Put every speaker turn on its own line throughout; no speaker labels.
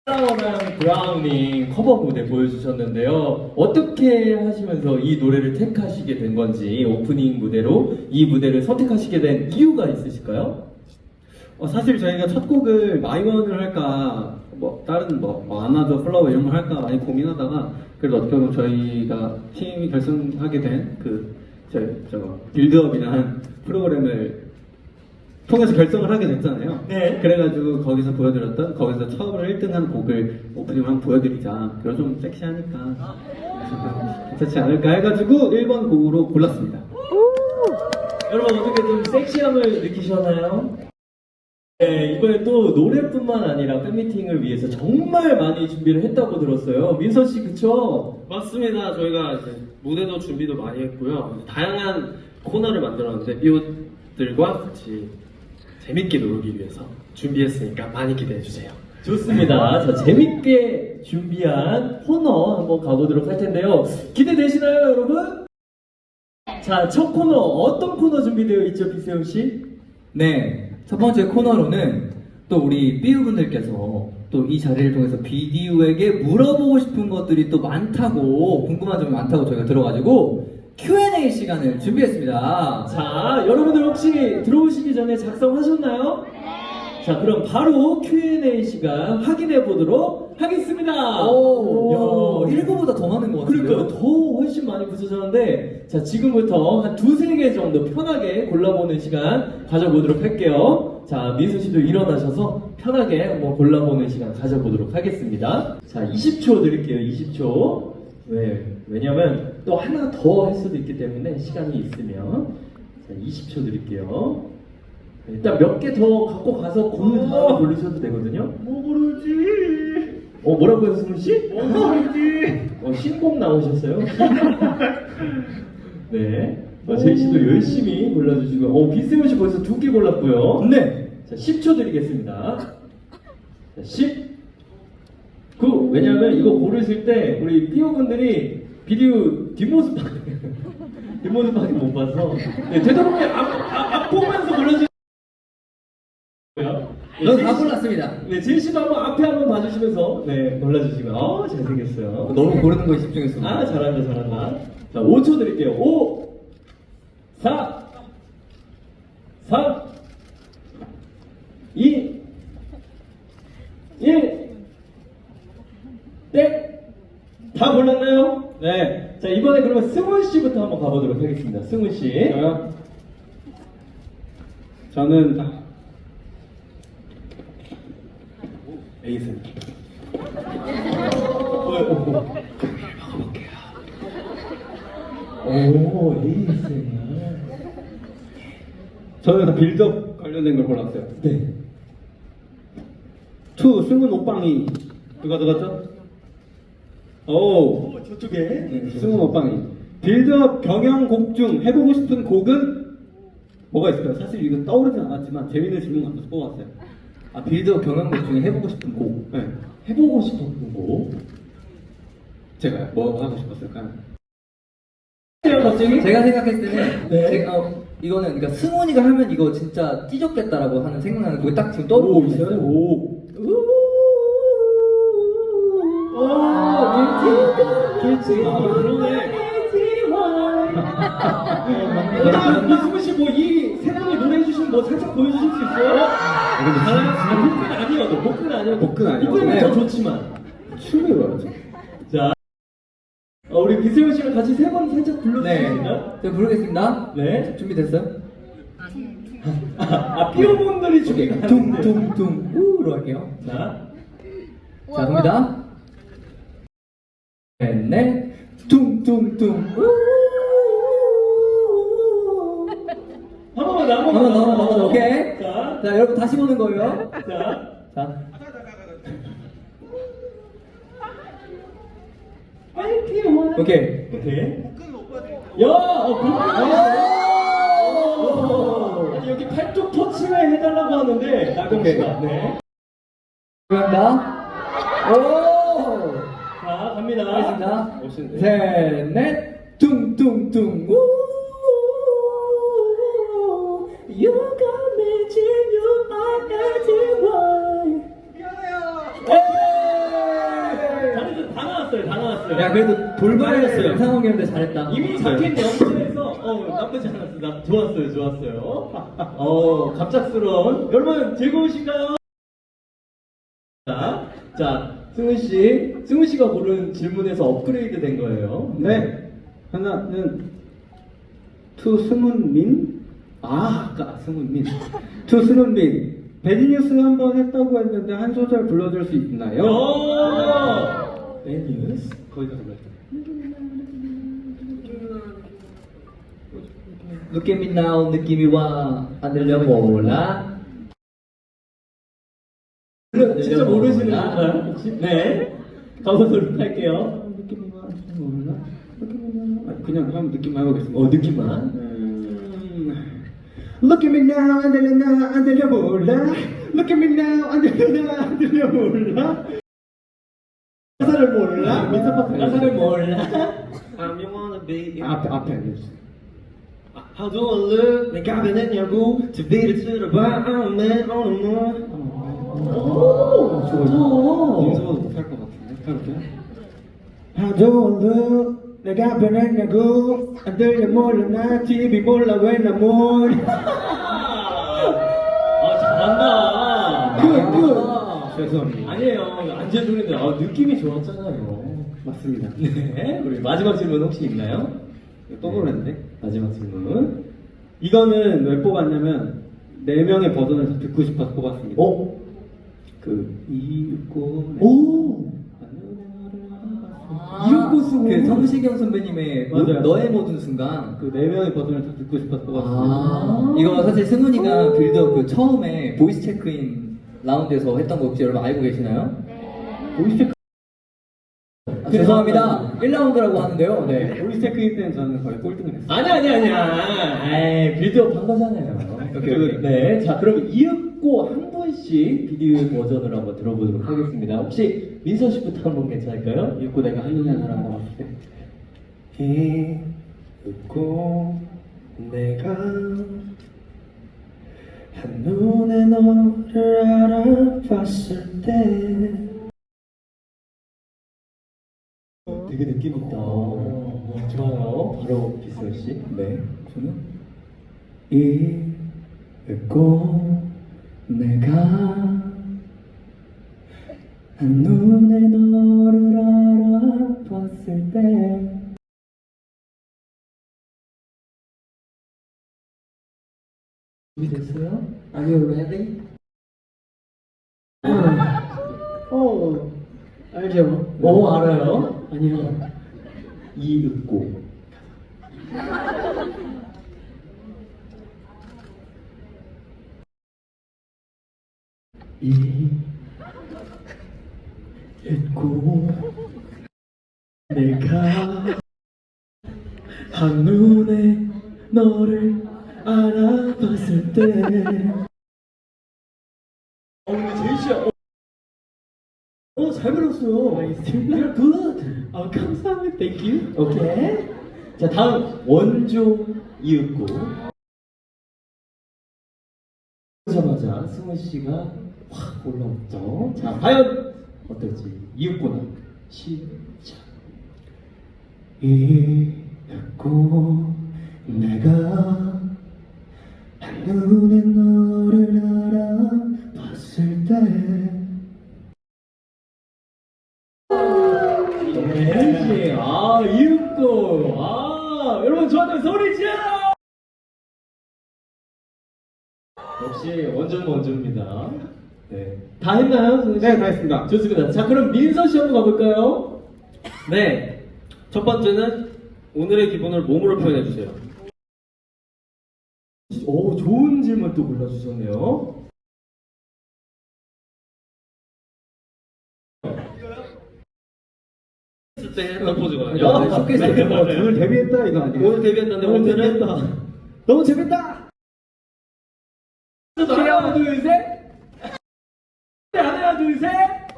플라워랑 브라우닝 커버 무대 보여주셨는데요. 어떻게 하시면서 이 노래를 택하시게 된 건지, 오프닝 무대로 이 무대를 선택하시게 된 이유가 있으실까요?
사실 저희가 첫 곡을 마이원을 할까, 다른 아나더 플라워 이런 걸 할까 많이 고민하다가, 그래도 어떻게 보면 저희가 팀이 결성하게 된 빌드업이라는 프로그램을 통해서 결성을 하게 됐잖아요.
네.
그래가지고 거기서 처음으로 1등한 곡을 오프닝을 한번 보여드리자. 그래서 좀 섹시하니까 괜찮지 않을까 해가지고 1번 곡으로 골랐습니다.
여러분 어떻게 좀 섹시함을 느끼셨나요? 네, 이번에 또 노래뿐만 아니라 팬미팅을 위해서 정말 많이 준비를 했다고 들었어요. 민서 씨 그쵸?
맞습니다. 저희가 이제 무대도 준비도 많이 했고요. 다양한 코너를 만들었는데 삐옷들과 같이 재밌게 놀기 위해서 준비했으니까 많이 기대해 주세요.
좋습니다. 자, 재밌게 준비한 코너 한번 가보도록 할 텐데요. 기대되시나요, 여러분? 자, 첫 코너 어떤 코너 준비되어 있죠, 비세훈 씨?
네, 첫 번째 코너로는 또 우리 삐우분들께서 또 이 자리를 통해서 비디오에게 물어보고 싶은 것들이 또 많다고, 궁금한 점이 많다고 저희가 들어가지고 Q&A 시간을 준비했습니다.
자, 여러분들 혹시 들어오시기 전에 작성하셨나요? 자, 그럼 바로 Q&A 시간 확인해 보도록 하겠습니다.
오, 1부보다 더 많은 것 같아요.
그러니까 더 훨씬 많이 붙여졌는데, 자, 지금부터 한 두세 개 정도 편하게 골라보는 시간 가져보도록 할게요. 자, 민수 씨도 일어나셔서 편하게 한번 골라보는 시간 가져보도록 하겠습니다. 자, 20초 드릴게요, 20초. 왜냐면 또 하나 더 할 수도 있기 때문에 시간이 있으면. 자, 20초 드릴게요. 일단 몇 개 더 갖고 가서 고른 다음에 고르셔도 되거든요.
뭐 부르지?
뭐라고요, 승훈 씨?
뭐 부르지?
신곡 나오셨어요? 네. 제이 씨도 열심히 골라주시고, 비세훈 씨 벌써 2개 골랐고요.
네.
자, 10초 드리겠습니다. 자, 10, 9. 왜냐면 이거 고르실 때 우리 삐오분들이 비디오 뒷모습밖에 못 봐서. 네, 되도록이면 앞 보면서 골라주세요.
저는 다 골랐습니다.
네, 제이 씨도 한번 앞에 한번 봐주시면서 네, 골라주시면 잘생겼어요.
너무 고르는 거에 집중했습니다.
아, 잘한다. 자, 5초 드릴게요. 5, 4, 3, 2, 1. 땡! 다 골랐나요? 네. 자, 이번에 그러면 승훈 씨부터 한번 가보도록 하겠습니다. 승훈 씨.
저는 에이스.
오, 에이스야.
저는 다 빌드업 관련된 걸 골랐어요.
네.
투 승훈 오빵이 누가 들었죠? 오,
저쪽에.
네, 승훈 오빵이 빌드업 경영곡 중 해보고 싶은 곡은 뭐가 있을까요? 사실 이거 떠오르진 않았지만 재밌는 질문 같아서 뽑았어요.
빌드업 경영곡 중에 해보고 싶은 곡.
네,
해보고 싶었던 거.
제가 뭐 하고 싶었을까요?
갑자기?
제가 생각했을 때는
네.
이거는 그러니까 승훈이가 하면 이거 진짜 찢었겠다라고 하는 생각나는 곡이 딱 지금 떠오르고 있어요.
오. 길지. 그러네. 이승우 씨 뭐 이 세 분이 노래해 주시면 뭐 살짝 보여주실 수 있어요? 복근 아니어도 복근 아니어도
복근 아니어도.
복근은
네.
더 좋지만
춤을 봐야죠.
자 우리 비세훈 씨랑 같이 세 번 살짝
네.
불러주시겠나요?
제가 부르겠습니다.
네.
준비됐어요?
삐오분들이 준비가 안 되는데.
둥둥둥 우로 할게요.
자
자, 갑니다. 네, 둥둥둥 우.
한 번만 더,
한번 더, 오케이.
자,
자, 여러분 다시 보는 거예요.
자.
오케이.
오케이. 야, 아니, 여기 팔뚝 터치를 해달라고 하는데 나경 씨가. 네.
갑니다. 오.
자, 갑니다.
알겠습니다.
멋있네.
셋, 넷, 둥둥둥 우. You got me till you are everyone.
에이!
야 그래도 돌발했어요. 상황이었는데 잘했다.
이미 자켓 연주에서 나쁘지 않았어. 나 좋았어요. 갑작스러운 여러분 즐거우신가요? 자, 승우 씨가 고른 질문에서 업그레이드 된 거예요.
네. 하나는 투승훈민. 아까 승훈민. 투승훈민. 배드뉴스 한번 했다고 했는데 한 소절 불러줄 수 있나요?
베니스.
거기서 불렀죠.
느낌이 나온 느낌이 와. 안 들려 몰라.
진짜 모르시는 건가요? 혹시? 네. 가보도록 할게요.
느낌이 와. 몰라. 그냥 한번 느낌만 해보겠습니다.
느낌만.
Look at me now, 안 들려 나, 안 들려 몰라. Look at me now, 안 들려 나, 안 들려 몰라. 가사를 몰라. 민서파트
가사를 몰라.
I'm you wanna be.
앞에 알려주세요.
How do I look? 내가 변했냐고? TV를 틀어봐. I'm man on the moon.
좋다.
민서파도 못할 것 같은데. 해볼게요. How do I look? 내가 변했냐고? 안 들려 몰라 나 TV 몰라 왜 나 몰라.
잘한다.
죄송합니다.
아니에요. 안 재소리인데 느낌이 좋았잖아요.
맞습니다.
네. 우리 마지막 질문 혹시 있나요?
또 노래인데?
마지막 질문.
이거는 왜 뽑았냐면 4명의 버전을 다 듣고 싶어서 뽑았습니다. 이윽고
오! 이윽고 쓰고.
그 성시경 선배님의
맞아요.
너의 모든 순간.
그 4명의 버전을 다 듣고 싶어서 뽑았습니다.
이거 사실 승훈이가 빌드업 그 처음에 보이스 체크인 라운드에서 했던 거 혹시 여러분 알고 계시나요?
보이스 체크
죄송합니다. 1라운드라고 하는데요. 네.
보이스 체크인 때는 저는 거의 꼴등을 했어요.
아니야. 빌드업 한 거잖아요.
오케이.
네. 자, 그럼 이윽고 한 분씩 비디오 버전을 한번 들어보도록 하겠습니다. 혹시 민서 씨부터 한번 괜찮을까요?
이윽고 내가 한눈에 나랑 나왔을 때
이윽고 내가 한눈에 너를 알아봤을 때
되게 느낌 있다. 좋아요. 바로 기슬 씨.
네. 저는
이윽고
내가 한눈에 너를 알아봤을 때 준비됐어요? Are you ready?
알죠?
알아요?
아니요.
이윽고. 이윽고 내가 한눈에 너를 알아봤을 때. 근데 제이 씨야. 잘 불렀어요. You're good. 감사합니다. Thank you. 오케이. 자, 다음 원조 이윽고. 보자마자 승우 씨가 확 올라왔죠. 자, 과연 어떨지 이윽고나 시작. 이윽고 내가 한눈에 너를 알아봤을 때. 네, 이윽고. 여러분 저한테 소리 지어! 역시 원조입니다. 네. 다 했나요, 승우 씨?
네, 다 했습니다.
좋습니다. 자, 그럼 민서 씨 한번 가볼까요?
네. 첫 번째는 오늘의 기분을 몸으로 표현해 주세요.
오, 좋은 질문 또 골라주셨네요.
했을 때 했던 포즈거든요.
쇼케이스
오늘 데뷔했다 이거 아니에요?
오늘 데뷔했는데 오늘은
너무 재밌다! 하나, 둘, 셋! 하나, 둘, 셋!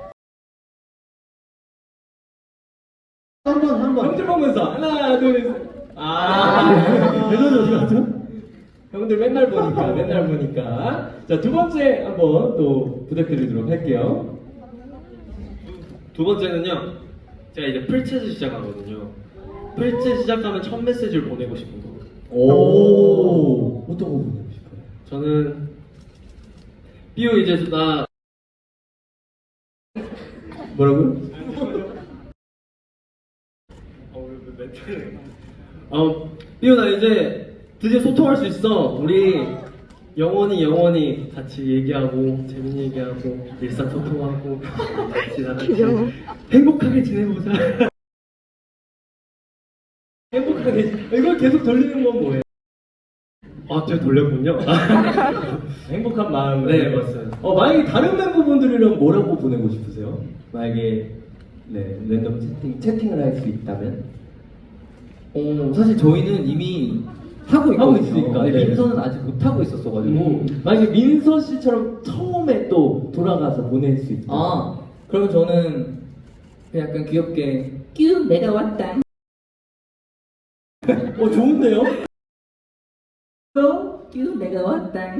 한 번.
형들 보면서 하나, 둘, 셋!
대전이 어디 갔죠?
형들 맨날 보니까. 자, 두 번째 한번 또 부탁드리도록 할게요.
두 번째는요. 제가 이제 풀챗을 시작하거든요. 풀챗 시작하면 첫 메시지를 보내고 싶은 거.
오, 어떤 거 보내고 싶어요?
저는 삐오 이제 나
뭐라고요?
삐오 나 이제 드디어 소통할 수 있어. 우리 영원히 같이 얘기하고 재밌는 얘기하고 일상 소통하고 같이 다 같이 행복하게 지내보자.
행복하게 이걸 계속 돌리는 건 뭐예요?
아, 제가 돌렸군요.
행복한 마음을.
네, 맞습니다.
만약에 다른 멤버분들이랑 뭐라고 보내고 싶으세요? 만약에 네 랜덤 채팅을 할 수 있다면?
사실 저희는 이미 하고
하고
있거든요.
있으니까,
근데
네.
민서는 아직 못 하고 있었어가지고.
만약에 민서 씨처럼 처음에 또 돌아가서 보낼 수 있다.
그러면 저는 그냥 약간 귀엽게 끼우 내가 왔다.
좋은데요?
끼우 내가 왔다.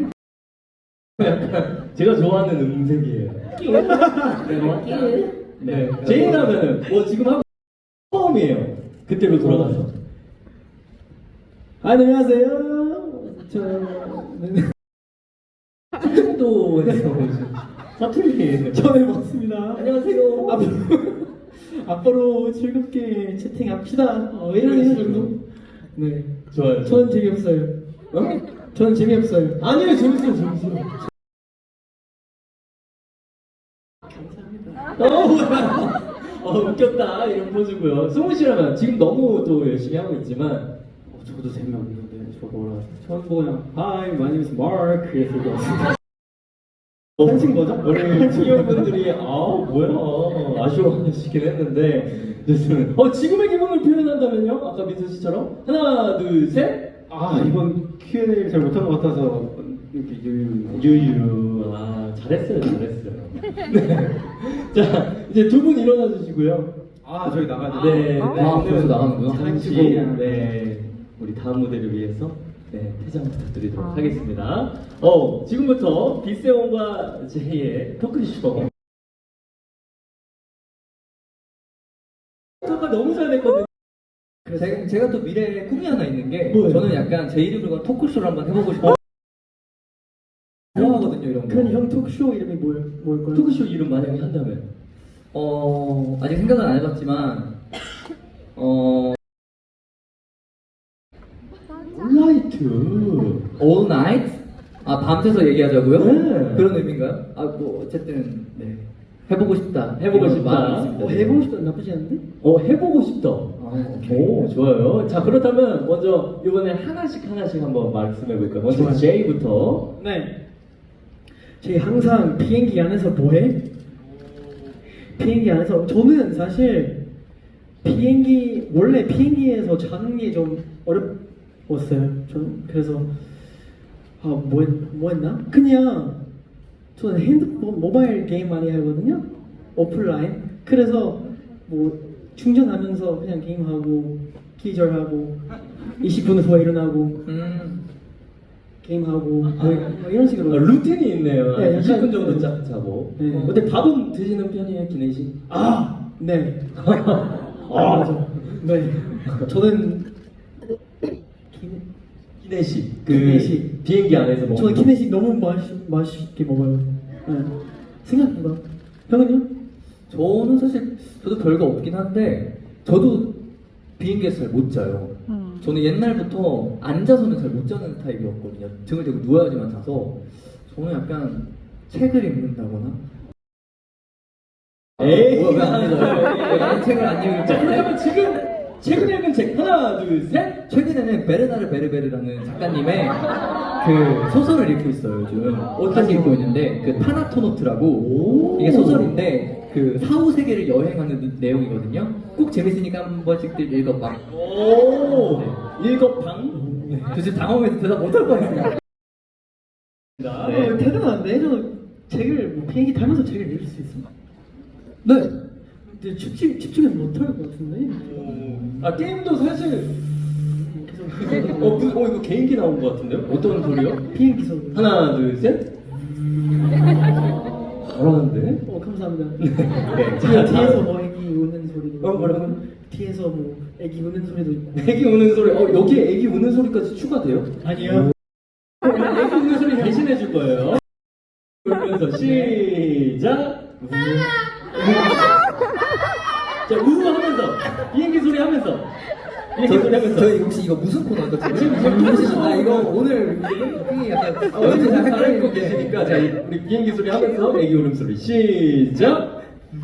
제가 좋아하는 음색이에요.
내가 왔다.
네. 제이라면은 지금 하고 처음이에요. 그때로 돌아가서. 안녕하세요. 저는 충청도에서 오신 사투리 처음 해봤습니다. 안녕하세요. 앞으로 즐겁게 채팅합시다. 이런 정도. 네. 좋아요. 저는 재미없어요. 저는 재미없어요. 아니요, 재밌어요. 웃겼다 이런 포즈고요. 승우 씨라면 지금 너무 또 열심히 하고 있지만
저도 재미없는데 저도 뭐라 처음 보고 그냥 Hi, my name is Mark 이랬을 것 같습니다.
한신 거죠? 우리 친구분들이 뭐야 아쉬워하시긴 했는데 좋습니다. 지금의 기분을 표현한다면요? 아까 민서 씨처럼 하나 둘 셋.
이번 Q&A를 잘 못한 것 같아서 이렇게 유유.
잘했어요. 네. 자 이제 두 분 일어나 주시고요.
저희 나가야 돼.
네.
벌써 나가는구나.
잠시 우리 다음 무대를 위해서 퇴장 부탁드리도록 하겠습니다. 지금부터 빗세온과 제이의 토크쇼. 토크가 너무 잘 됐거든요.
제가 또 미래에 꿈이 하나 있는 게
뭐예요?
저는 약간 제 이름으로 건 토크쇼를 한번 해보고 싶어요. 좋아하거든요 이런 거.
그럼 형 토크쇼 이름이 뭘까요? 토크쇼 이름 만약에 한다면?
아직 생각은 안 해봤지만
라이트.
All night? 밤새서 얘기하자고요?
네.
그런 의미인가요? 어쨌든 네 해보고 싶다.
해보고
이런
싶다.
마음이 있습니다.
해보고 싶다 나쁘지 않은데? 해보고 싶다.
오케이.
좋아요. 자 그렇다면 먼저 이번에 하나씩 한번 말씀해 볼까요? 먼저
좋아요.
제이부터.
네. 저희 항상 비행기 안에서 뭐해? 비행기 안에서 저는 사실 원래 비행기에서 자는 게 좀 어려웠어요. 저는 그래서 뭐 했나? 그냥 저는 핸드폰 모바일 게임 많이 하거든요. 오프라인. 그래서 뭐 충전하면서 그냥 게임하고 기절하고 20분 후에 일어나고 게임하고 뭐 이런 식으로
루틴이 있네요.
네, 약간
20분 정도 자고.
네.
근데 밥은 드시는 편이에요, 기내식?
네. 맞아. 네. 저는
기내식.
기내식.
비행기 안에서 먹는.
저는 기내식 너무 맛있게 먹어요. 네. 생각보다. 형은요?
저는 사실 저도 별거 없긴 한데 저도 비행기에서 잘 못 자요. 저는 옛날부터 앉아서는 잘 못 자는 타입이었거든요. 등을 대고 누워야지만 자서 저는 약간 책을 읽는다거나. 왜안 읽어요? 난 책을 안 읽을
자,
건데.
그렇다면 지금 최근 읽은 책 하나, 둘, 셋.
최근에는 베르나르 베르베르라는 작가님의 그 소설을 읽고 있어요 요즘.
어떤
읽고 있는데 그 타나토노트라고
오.
이게 소설인데 그 사후 세계를 여행하는 내용이거든요. 꼭 재밌으니까 한 번씩들 읽어봐.
오. 일곱방.
도대체 당황해서 대답 못할 뻔했어요.
네.
대단한데? 저 책을 비행기 타면서 책을 읽을 수 있어요.
네.
근데 집중해서 못할 것 같은데?
게임도 사실. 이거 개인기 나온 것 같은데요? 어떤 소리요?
비행기 소리.
하나, 둘, 셋. 잘하는데?
감사합니다. 감사합니다.
네.
지금 뒤에서 뭐 애기 우는 소리도 있고,
뭐라고?
뒤에서 뭐 애기 우는 소리도 있고.
애기 우는 소리. 여기에 애기 우는 소리까지 추가돼요?
아니요.
애기 우는 소리 대신해 줄 거예요. 울면서 시작. 자, 하면서 비행기 소리 하면서. 비행기 소리 하면서.
저희 혹시 이거 무슨 코너죠? 지금 이거 오늘 그게 약간
오늘 잘 읽고 계시니까 자, 우리 비행기 소리 하면서 애기 울음소리 시작.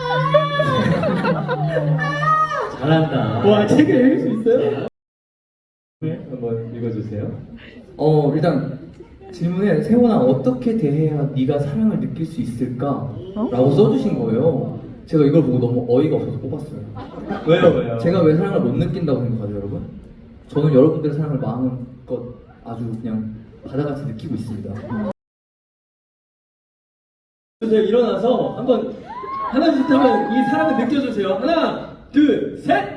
잘한다.
와, 책을 읽을 수 있어요?
네, 한번 읽어주세요.
일단 질문에 세훈아 어떻게 대해야 네가 사랑을 느낄 수 있을까? 라고 써주신 거예요. 제가 이걸 보고 너무 어이가 없어서 뽑았어요.
왜요?
제가 왜 사랑을 못 느낀다고 생각하죠, 여러분? 저는 여러분들의 사랑을 마음껏 아주 그냥 바다같이 느끼고 있습니다.
주세요. 일어나서 한번 하나 둘 하면 이 사랑을 느껴주세요. 하나, 둘, 셋.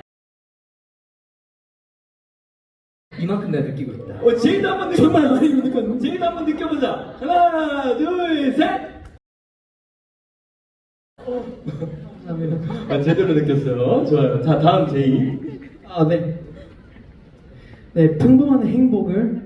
이만큼 내가 느끼고 있다.
제이도 한번 느껴보자. 제이도 한번 느껴보자. 하나, 둘, 셋. 제대로 느꼈어요. 좋아요. 자, 다음 제이.
아, 네. 네, 평범한 행복을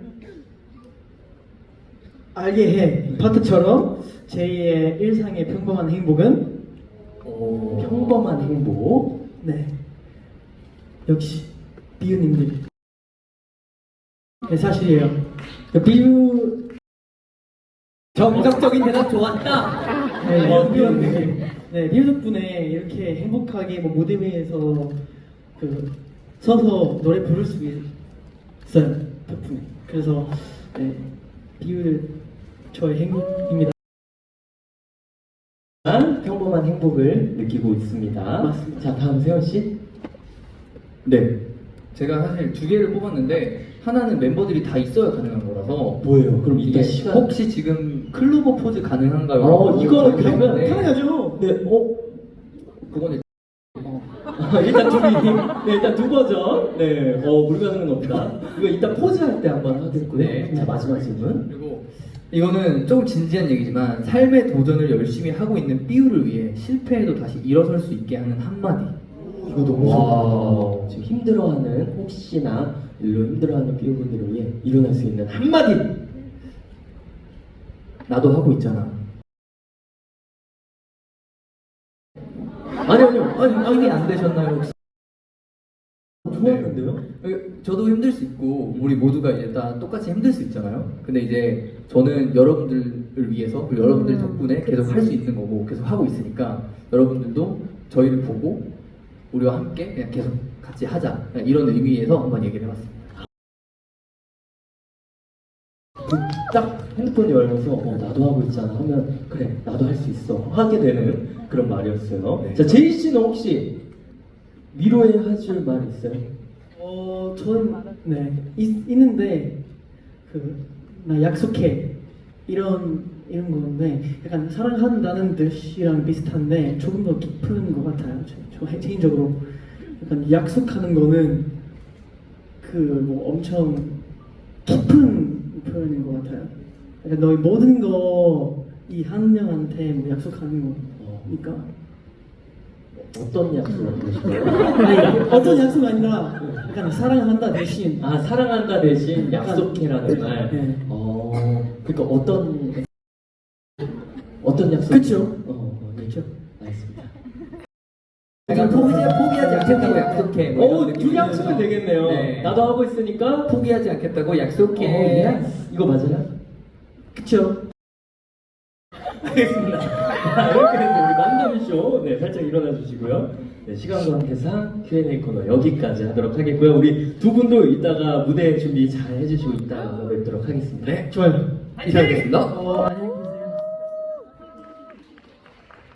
알게 해. 파트처럼 제2의 일상의 평범한 행복은
평범한 행복.
네. 역시 비유님들. 네, 사실이에요. 비유
정적적인 대답 좋았다.
네, 비유 네, 비유 덕분에 이렇게 행복하게 뭐 무대 위에서 서서 노래 부를 수 있어요. 덕분에. 그래서 네, 비유 저의 행복입니다.
평범한 행복을 느끼고 있습니다.
맞습니다.
자, 다음 세현 씨.
네. 제가 사실 두 개를 뽑았는데 하나는 멤버들이 다 있어야 가능한 거라서
뭐예요? 그럼 이따
이게
시간.
혹시 지금 클로버 포즈 가능한가요?
이거는 그러면
네.
가능하죠?
네,
그거는
일단 네, 일단 두 버전. 네, 불가능은 없다. 이거 이따 포즈 할 때 한번 하겠고요.
네.
자, 마지막 질문.
그리고 이거는 조금 진지한 얘기지만 삶의 도전을 열심히 하고 있는 삐우를 위해 실패해도 다시 일어설 수 있게 하는 한마디.
이거 너무
와.
좋다. 지금 힘들어하는 혹시나 일로 힘들어하는 삐오분들을 위해 일어날 수 있는 한마디.
나도 하고 있잖아.
아니요.
이게 안 되셨나요 혹시?
좋았는데요?
저도 힘들 수 있고 우리 모두가 이제 다 똑같이 힘들 수 있잖아요. 근데 이제 저는 여러분들을 위해서 그리고 여러분들 덕분에 계속 할 수 있는 거고 계속 하고 있으니까 여러분들도 저희를 보고 우리와 함께 그냥 계속 같이 하자 이런 의미에서 한번 얘기를 해봤습니다.
딱 핸드폰 열면서 나도 하고 있잖아 하면 그래 나도 할 수 있어 하게 되는 그런 말이었어요.
네.
자, 제이 씨는 혹시 위로해 하실 말 있어요?
저는 네 있는데 나 약속해 이런 건데 약간 사랑한다는 뜻이랑 비슷한데 조금 더 깊은 것 같아요. 저 개인적으로 약간 약속하는 거는 뭐 엄청 깊은 표현인 것 같아요. 약간 너의 모든 거 이 한 명한테 뭐 약속하는 거니까.
어떤 약속을 하실까요?
아니, 어떤 약속 아니라 약간 사랑한다 대신
사랑한다 대신 약속해라는 말.
네.
그러니까 어떤 약속?
그쵸?
그렇죠. 알겠습니다.
약간 포기하지 않겠다고 약속해. 뭐 이런
두
느낌이어서.
약속은 되겠네요.
네.
나도 하고 있으니까
포기하지 않겠다고 약속해.
예스. 이거 맞아요?
그쵸?
알겠습니다. 이렇게 해서 우리 만남쇼 살짝 일어나 주시고요. 네, 시간 관계상 Q&A 코너 여기까지 하도록 하겠고요. 우리 두 분도 이따가 무대 준비 잘 해주시고 이따가 뵙도록 하겠습니다.
네, 좋아요. 이상하겠습니다.
안녕히